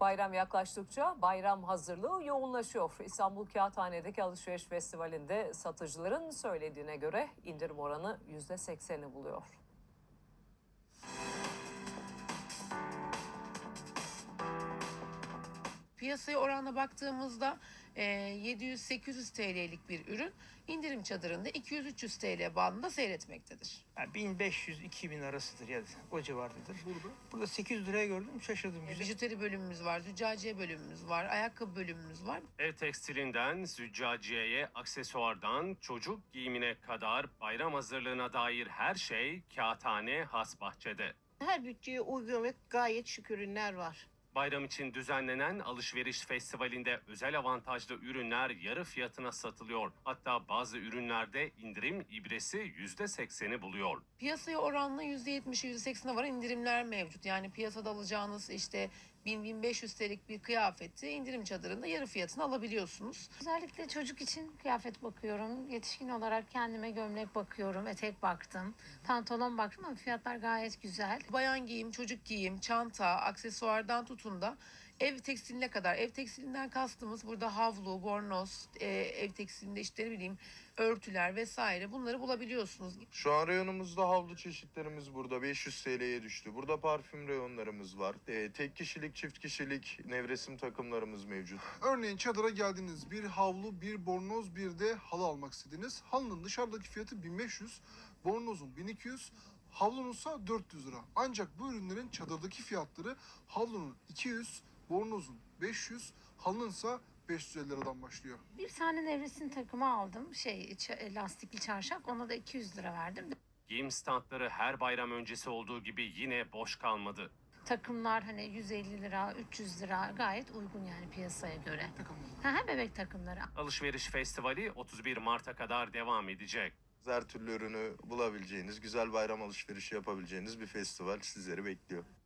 Bayram yaklaştıkça bayram hazırlığı yoğunlaşıyor. İstanbul Kağıthane'deki alışveriş festivalinde satıcıların söylediğine göre indirim oranı %80'i buluyor. Piyasaya oranla baktığımızda 700-800 TL'lik bir ürün indirim çadırında 200-300 TL bandında seyretmektedir. Yani 1500-2000 arasıdır ya o civardadır. Burada 800 liraya gördüm, şaşırdım. Güzel. Bijuteri bölümümüz var, züccaciye bölümümüz var, ayakkabı bölümümüz var. Ev tekstilinden, züccaciyeye, aksesuardan, çocuk giyimine kadar bayram hazırlığına dair her şey Kağıthane Hasbahçe'de. Her bütçeye uygun ve gayet şık ürünler var. Bayram için düzenlenen alışveriş festivalinde özel avantajlı ürünler yarı fiyatına satılıyor. Hatta bazı ürünlerde indirim ibresi %80'i buluyor. Piyasaya oranla %70'i %80'e varan indirimler mevcut. Yani piyasada alacağınız işte 1000-1500 TL'lik bir kıyafeti indirim çadırında yarı fiyatına alabiliyorsunuz. Özellikle çocuk için kıyafet bakıyorum. Yetişkin olarak kendime gömlek bakıyorum, etek baktım. Pantolon baktım ama fiyatlar gayet güzel. Bayan giyim, çocuk giyim, çanta, aksesuardan tutun da ev tekstiline kadar. Ev tekstilinden kastımız burada havlu, bornoz, ev tekstilinde işte ne bileyim örtüler vesaire bunları bulabiliyorsunuz. Şu an reyonumuzda havlu çeşitlerimiz burada 500 TL'ye düştü. Burada parfüm reyonlarımız var. Tek kişilik, çift kişilik nevresim takımlarımız mevcut. Örneğin çadıra geldiniz, bir havlu, bir bornoz, bir de halı almak istediniz. Halının dışarıdaki fiyatı 1500, bornozun 1200, havlununsa 400 lira. Ancak bu ürünlerin çadırdaki fiyatları havlunun 200, bornozun 500, halınınsa 550 liradan başlıyor. Bir tane nevresim takımı aldım. Lastikli çarşaf. Ona da 200 lira verdim. Giyim standları her bayram öncesi olduğu gibi yine boş kalmadı. Takımlar hani 150 lira, 300 lira gayet uygun yani piyasaya göre. Takımlar. Bebek takımları. Alışveriş festivali 31 Mart'a kadar devam edecek. Her türlü ürünü bulabileceğiniz, güzel bayram alışverişi yapabileceğiniz bir festival sizleri bekliyor.